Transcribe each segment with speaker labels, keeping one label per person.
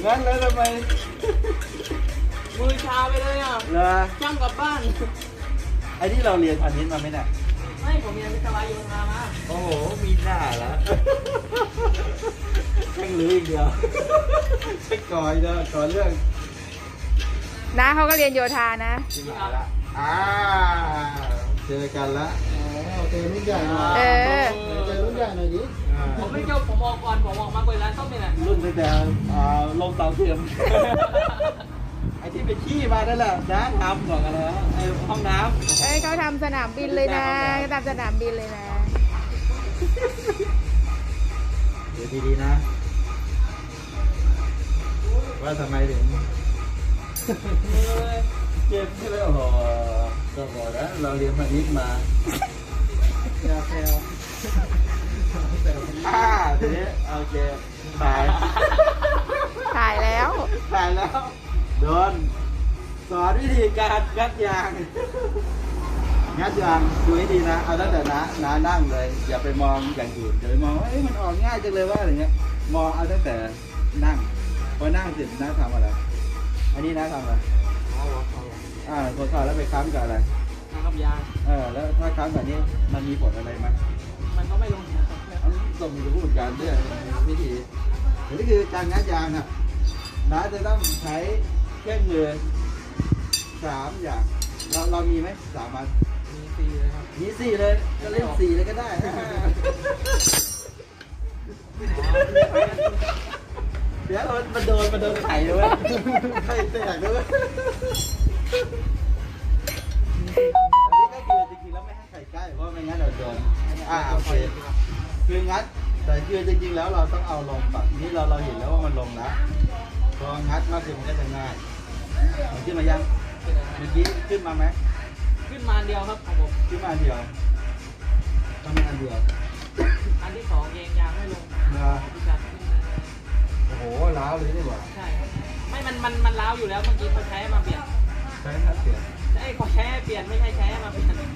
Speaker 1: งั้นแล้วทำไม
Speaker 2: มือชาไปเลยอ่ะ
Speaker 1: เหรอ
Speaker 2: ช่างกลับบ้าน
Speaker 1: ไอ้ที่เราเรียนพาณิชย์มาไหมเนี่ย
Speaker 2: ไม่ผมเรียนวิศวะโยธามา
Speaker 1: โอ้โหมีหน้าแล้วแค่งรู้อีกเดียวแค่ก่อยเด้อก่อนเรื่อง
Speaker 3: น้าเขาก็เรียนโยธานะ
Speaker 1: ที่หายละเจอกันละ
Speaker 4: เจอรุ่นใหญ่หน่อย
Speaker 3: เออ
Speaker 4: เจอรุ่นใหญ่หน่อยดิ
Speaker 2: ผมไม่จบผมออกก่อนผมออกมาเปิดร้านส้มนี่แหละ
Speaker 1: รุ่นตั้งแต่ลงเตาเทียม ไอ้ที่ไปขี้มานั่นแหละน้าทำบอกกันแล้วไอ้ห้องน้
Speaker 3: เอ้ยเขาทำสนามบินเลยนะเขาทำสนามบินเลยนะ
Speaker 1: ำเดี๋ยวดีๆนะ ว่าทำไมถึงเจ็บใช่ไหมโอ้โหก็บอกแล้วเราเรียนพาณิชย์มา
Speaker 4: ยาแซว
Speaker 1: ทีนี้โอเคตาย
Speaker 3: ถ่ายแล้ว
Speaker 1: ตายแล้ว โดนสอนวิธีการงัดยาง งัดยางดูให้ดีนะ เอาตั้งแต่น้านั่งเลย อย่าไปมองอย่างอื่นอย่าไปมองว่ามันออกง่ายจังเลยว่าอะไรเงี้ย มองเอาตั้งแต่นั่ง พอนั่งเสร็จน้าทำอะไร อันนี้น้าทำอะไรพอเข้าแล้วไปค้ำกับอะไร
Speaker 2: นะครับยาง
Speaker 1: แล้วถ้าค้ำแบบนี้มันมีผลอะไรไหม
Speaker 2: มันก็ไม่ลงนะครับ
Speaker 1: อันนี้ต้องมีผู้จัดการด้วยวิธีอันนี้คือการงัดยางอ่ะน้าจะต้องใช้เครื่องมือ3 อย่าง เรามีไหม3 อัน
Speaker 2: มี4เลยครับ
Speaker 1: มี4เลยก็เล่น4เลยก็ได้ เดี๋ยวมันโดนไข่ด้วยไข่แตกด้วยอันนี้ก็คือจริงๆแล้วไม่ให้ไข่ใกล้เพราะไม่งั้นเราโดนโอเคคืองัดแต่คือจริงๆแล้วเราต้องเอาลงก่อนนี่เราเห็นแล้วว่ามันลงแล้วพองัดมากขึ้นมันก็จะง่ายมันขึ้นมายังเมื่อกี้ขึ้นมาไหม
Speaker 2: ขึ้นมาอันเดียวครับของผม
Speaker 1: ขึ้นมาอันเดียวทำไมอันเดียว
Speaker 2: อันที่2เองยางไม่ลง
Speaker 1: นะ
Speaker 2: พิการขึ้นมา
Speaker 1: โอ้โหล้าวเลยนี่หว่า
Speaker 2: ใช่ครับไม่มันล้าวอยู่แล้วเมื่อกี้เขาใช้มาเปลี่ยน
Speaker 1: ใช้ทัดเปลี่ยน
Speaker 2: ใช่เขาใช้เปลี่ยนไม่ใช่ใช้มาเปลี่ยน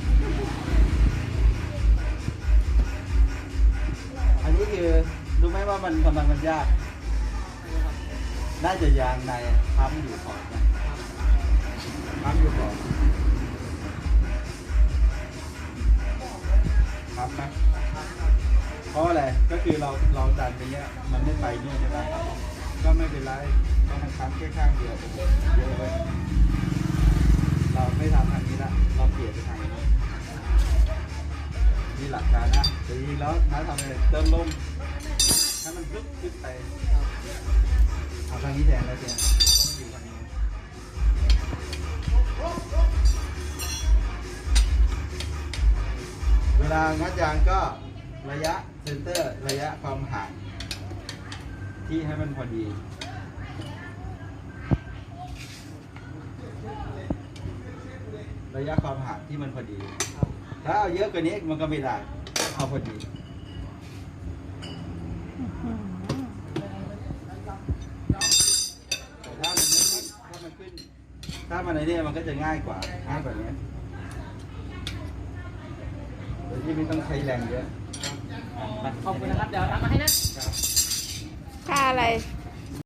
Speaker 1: อันนี้คือรู้ไหมว่ามันทำไมมันยาก น่าจะยางในค้ำอยู่ก่อนนะค้ำอยู่ก่อนค้ำไหมเพราะอะไรก็คือเราดันไปเนี้ยมันไม่ไปเนี่ยใช่ไหมก็ไม่เป็นไรก็มันค้ำแค่ข้างเดียวเยอะไปเราไม่ทำทางนี้ละเราเปลี่ยนไปทางนี้นี่หลักการนะแต่จริงๆแล้วน้าทำเลยเติมลมให้มันลึกขึ้นไปเอาทางนี้แทนแล้วเจ๊ต้องอยู่ทางนี้เวลางัดยางก็ระยะเซนเตอร์ระยะความห่างที่ให้มันพอดีระยะความห่างที่มันพอดีถ้าเอาเยอะกว่านี้มันก็ไม่ได้เอาพอดีแต่ถ้ามันขึ้นถ้ามันในนี้มันก็จะง่ายกว่าแบบนี้โดยที่ไม่ต้องใช้แรงเยอะ
Speaker 2: ขอบคุณนะครับเดี๋ยวทำมาให้นะ
Speaker 3: ค่าอะไร